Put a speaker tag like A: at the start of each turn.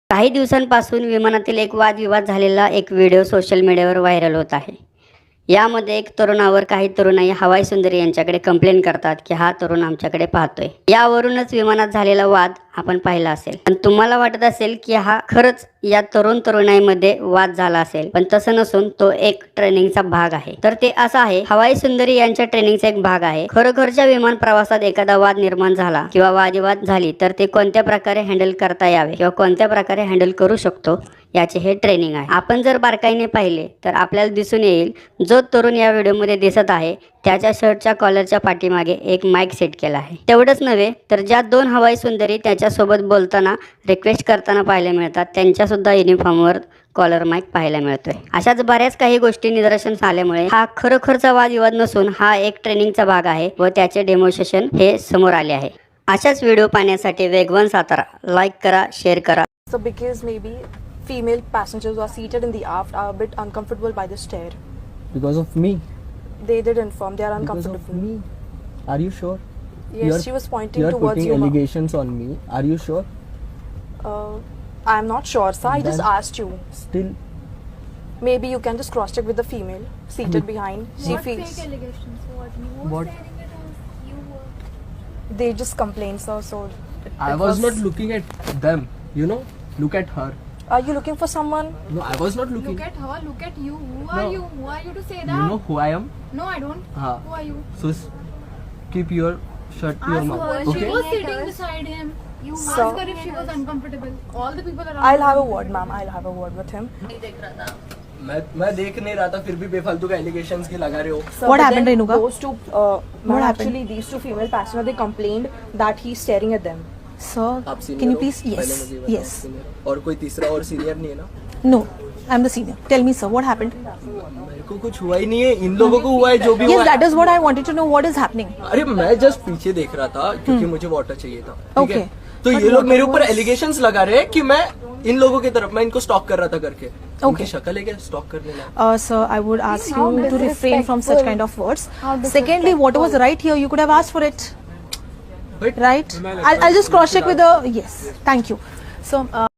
A: काही दिवसांपासून विमानातील एक वादविवाद झालेला एक व्हिडिओ सोशल मीडियावर व्हायरल होत आहे। यामध्ये एक तरुणावर काही तरुणाई हवाई सुंदरी यांच्याकडे कंप्लेंट करतात की हा तरुण आमच्याकडे पाहतोय। यावरूनच विमानात झालेला वाद आपण पाहिला असेल, पण तुम्हाला वाटत असेल की हा खरंच या तरुणाईमध्ये वाद झाला असेल, पण तसं नसून तो एक ट्रेनिंगचा भाग आहे। तर ते असं आहे, हवाई सुंदरी यांच्या ट्रेनिंगचा एक भाग आहे। खरोखरच्या विमान प्रवासात एखादा वाद निर्माण झाला किंवा वादविवाद झाली तर ते कोणत्या प्रकारे हँडल करता यावे किंवा कोणत्या प्रकारे हँडल करू शकतो याचे हे ट्रेनिंग आहे। आपण जर बारकाईने पाहिले तर आपल्याला दिसून येईल, जो तरुण या व्हिडिओमध्ये दिसत आहे त्याच्या शर्टच्या कॉलरच्या पाठीमागे एक माईक सेट केला आहे। तेवढंच नव्हे तर ज्या दोन हवाई सुंदरी त्याच्यासोबत बोलताना रिक्वेस्ट करताना पाहायला मिळतात, त्यांच्या सुद्धा युनिफॉर्मवर कॉलर माईक पाहायला मिळतोय। अशाच बऱ्याच काही गोष्टी निदर्शनास आल्यामुळे हा खरोखरचा वादविवाद नसून हा एक ट्रेनिंगचा भाग आहे व त्याचे डेमॉन्स्ट्रेशन हे समोर आले आहे। अशाच व्हिडिओ पाहण्यासाठी वेगवान सातारा लाईक करा, शेअर करा।
B: So because maybe female passengers who are seated in the aft are a bit uncomfortable by the stair.
C: Because of me.
B: They did inform they are
C: Because
B: uncomfortable.
C: of me. Are you sure?
B: Yes, she was pointing
C: You are
B: towards
C: putting
B: you.
C: allegations on me. Are you sure?
B: I'm not sure, sir. I just
C: Then-
B: asked you.
C: Still,
B: Maybe you can just cross check with the female seated behind. She
D: What
B: feels
D: fake allegations? What? You were
C: What?
D: saying it was you were.
B: they just complained, sir. So
C: I was not looking at them. You know, look at her.
B: Are you looking for someone?
C: No, I was not looking.
D: Look at her. Look at you. Who are
C: No.
D: you? Who are you to say
C: You
D: that?
C: know who I am?
D: No, I don't.
C: हाँ.
D: Who are you?
C: So keep your shirt to your
D: Ask
C: mouth.
D: her. She
C: Okay.
D: was sitting beside him. You
B: So-
D: asked her if she was uncomfortable. All the people around.
B: I'll have a word, ma'am. I'll have a word with him.
C: मैं देख नहीं रहा था, फिर भी बेफालतू का allegations के लगा रहे हो।
B: Sir,
E: What
B: but
E: happened,
B: then
E: Renuka?
B: Those two,
E: What happened?
B: actually, these two female passengers, they complained that he's staring at them.
E: Sir,
C: आप senior
E: can you
C: हो?
E: please?
C: पहले
E: Yes,
C: मुझे बताओ,
E: yes.
C: senior। और कोई तीसरा और सीनियर नहीं है ना?
E: No, I'm the senior. Tell me, sir, what happened?
C: मेरे को कुछ हुआ ही नहीं है, इन लोगों को हुआ है जो भी
E: Yes,
C: हुआ
E: that
C: है।
E: is what I wanted to know. What is happening?
C: अरे मैं जस्ट पीछे देख रहा था क्योंकि मुझे वाटर चाहिए था, ठीक है?
E: Okay.
C: तो
E: But
C: ये लोग
E: water
C: मेरे ऊपर
E: was-
C: एलिगेशंस लगा रहे हैं कि मैं इन लोगों की तरफ, मैं इनको स्टॉक कर रहा था करके। उनकी शक्ल है क्या स्टॉक करने लायक?
E: Sir, I would ask
B: How
E: you to refrain from such
B: disrespectful.
E: kind of words.
B: How
E: Secondly, what was right here, you could have asked for it,
C: But
E: right? I'll just cross check with the. Yes, thank you. So.